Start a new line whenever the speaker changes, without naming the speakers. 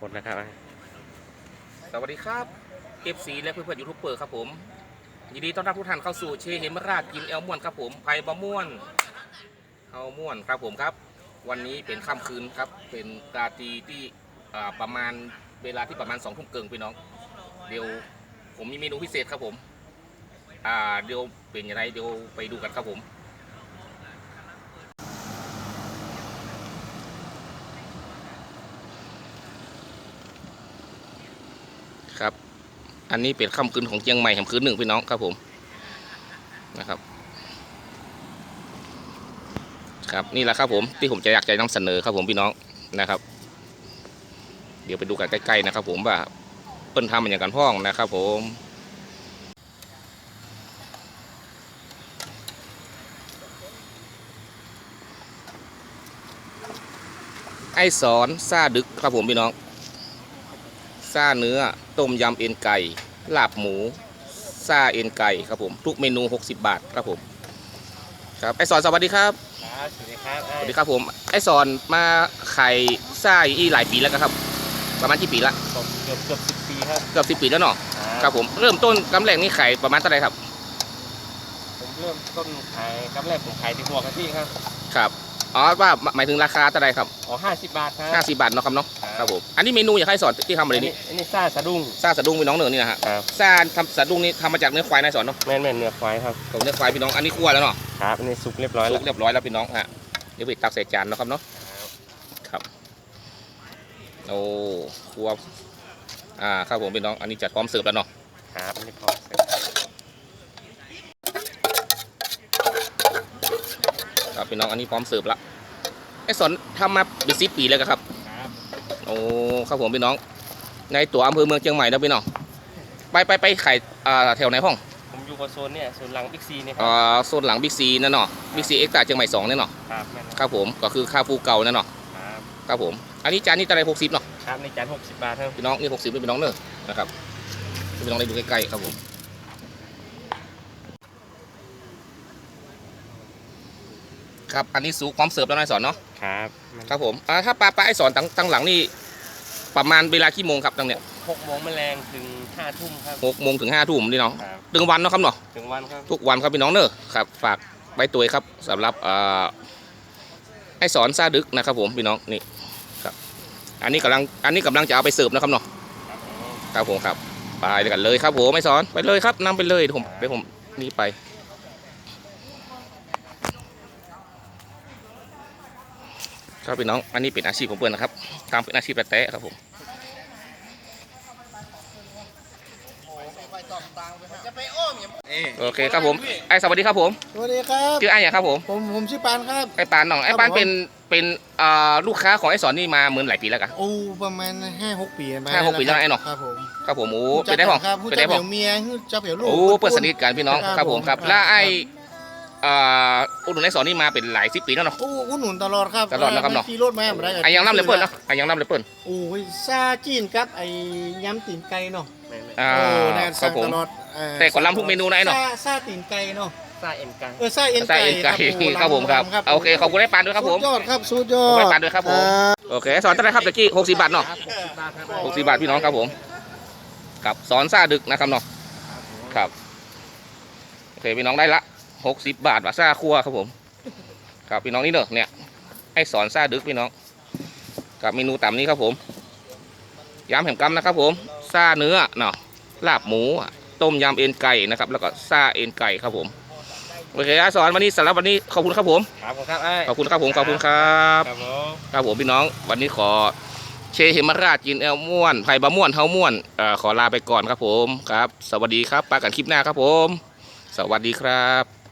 ดนะครับ
สวัสดีครับเอฟซีและเพื่อนๆยูทูบเบอร์ครับผมยินดีต้อนรับทุกท่านเข้าสู่เชเฮมราชกินแอลม่วนครับผมไผ่บะม่วนเฮาม่วนครับผมครับวันนี้เป็นค่ำคืนครับเป็นราตรีที่ประมาณเวลาที่ประมาณ2 ทุ่มเกินพี่น้องเดี๋ยวผมมีเมนูพิเศษครับผมเดี๋ยวเป็นยังไงเดี๋ยวไปดูกันครับผมครับอันนี้เป็นค่ำคืนของเชียงใหม่แห่งคืนหนึ่งพี่น้องครับผมนะครับครับนี่แหละครับผมที่ผมจะอยากจะนำเสนอครับผมพี่น้องนะครับเดี๋ยวไปดูกันใกล้ๆนะครับผมว่าเปิ้นทำมันอย่างกันพ้องนะครับผมไอ้สอนซาดึกครับผมพี่น้องซาเนื้อต้มยำเอ็นไก่ลาบหมูซาเอ็นไก่ครับผมทุกเมนู60 บาทครับผมครับไอ้สอนสวัสดีครับ
สวัสดีครับ
สวัสดีครับผมไอ้สอนมาขายซ่าอีหลายปีแล้วครับประมาณกี่ปีละ
เกือบ10 ปีครับ
เกือบ10 ปีแล้วเนาะครับผมเริ่มต้นกำแรกนี่ขายประมาณเท่าไหร่ครับ
ผมเริ่มต้นขายกำแรกผมขายที่หัวกะทิครับ
ครับอ๋อว่าหมายถึงราคาเท่าไหร่ครับ
อ๋อ50 บาทครับ
50 บาทเนาะครับเนาะครับผมอันนี้เมนูอยากให้สอนที่ทำอะไรนี่
อันนี้ซาสะดุ้ง
พี่น้องเนื้อนี่นะฮะซาทำสะดุ้งนี่ทำมาจากเนื้อควายนายสอนเนาะ
แม่นเนื้อควายครับ
ของเนื้อควายพี่น้องอันนี้คั่วแล้วเนาะ
ครับอันนี้สุกเรียบร้อย
แล้วพี่น้องฮะเดี๋ยวไปตักใส่จานเนาะครับเนาะครับโอ้คั่วครับผมพี่น้องอันนี้จัดพร้อมเสิร์ฟแล้วเนาะ
ครับอันนี้พร้อมเสิร์ฟ
ครับพี่น้องอันนี้พร้อมเสิร์ฟละไอ้สอนทำมาเป็น10 ปีแล้วครับโอ้ครับผมพี่น้องในตัวอำเภอเมืองเชียงใหม่นะพี่น้องไปขายแถวไหนห้อง
ผมอยู่กับโซนเนี่ยโซนหลังบิ๊กซีเนี่ย
โซนหลังบิ๊กซีนั่นเนาะบิ๊กซีเอ็กซ์ตร้าเชียงใหม่2เนี่ยเนาะครับผมก็คือค่าฟูเก่านั่นเนาะครับผมอันนี้จานนี้อะไร60เนาะ
ครับในจาน60 บาทครับ
พี่น้องนี่60เป็นพี่น้องเนอะนะครับพี่น้องได้ดูใกล้ๆครับผมครับอันนี้สูพร้อมเสิร์ฟแล้วนายสอนเนาะครับผมถ้าปลาไอ้สอนตั้งหลังนี่ประมาณเวลากี่โมงครับตั้งเนี่ย
6 โมงแมลงถึง5 ทุ่มครับ
6 โมงถึง5 ทุ่มนี่น้องถึงวันเนาะครับเนาะ
ถึงวันครับ
ทุกวันครับพี่น้องเนอะครับฝากใบตัวครับสำหรับไอ้สอนซาดึกนะครับผมพี่น้องนี่ครับอันนี้กำลังจะเอาไปเสิร์ฟนะครับเนาะครับผมครับไปกันเลยครับผมไอ้สอนไปเลยครับนำไปเลยผมนี่ไปครับพี่น้องอันนี้เป็นอาชีพของเพื่อนนะครับทำเป็นอาชีพแตะครับผมโอเคครับผมไอ้สวัสดีครับผม
สวัสดีครับ
ชื่อไอ้อย่างครับ
ผมชื่อปานครับ
ไอ้ปานน้องไอ้ปานเป็นลูกค้าของไอ้สอนนี่มาเหมือนหลายปีแล้วกัน
โอ้ประมาณ5-6 ปี
5-6 ปีแล้วไอ้หนอครับผมโอ้เป็นได้พ่อ
เป็นได้พ่อเมียจะเปี่ยวลูก
โอ้เปิดสนิทกันพี่น้องครับผมครับแล้วไอ้อุดหนุนไอ้สอนนี่มาเป็นหลาย10 ปีแล้วเนาะ
อุดหนุนตลอดครับ
นะครับเนาะ
ขี่รถมาไม่ได้
ไอ้ยังน้ำเลยเปิ้ลเนาะไอ้ยังน้ำเลยเปิ้ล
โอ้ยซาจีนครับไอ้ยำตีนไก่เนาะ
ครับผมแต่ก่อนล้ำทุกเมนูนะไอ้เนาะ
ซาตีนไก่เนาะ
ซาเอ็นไก่
ซาเอ็นไก่
ครับผมครับโอเคขอบคุณไอ้ปานด้วยครับผม
สุดยอดครับสุดยอด
ไอ้ปานด้วยครับผมโอเคสอนเท่าไหร่ครับตะกี้60 บาทเนาะ60 บาทพี่น้องครับผมกับสอนซาดึกนะครับเนาะครับโอเคพี่น้องได้ละ60 บาทว่าซาคั่วครับผมครับพี่น้องนี่เนอะเนี่ยไอ้สอนซาดึกพี่น้องกับเมนูต่ำนี้ครับผมยำแหมกำนะครับผมซาเนื้อเนาะลาบหมูต้มยำเอ็นไก่นะครับแล้วก็ซาเอ็นไก่ครับผมโอเคสอนวันนี้สำหรับวันนี้ขอบคุณครับผมขอบคุณครับผมขอบคุณครับครับผมพี่น้องวันนี้ขอเชเฮมราชกินแอลม่วนไผ่บะม่วนเฮาม่วนขอลาไปก่อนครับผมครับสวัสดีครับปากันคลิปหน้าครับผมสวัสดีครับ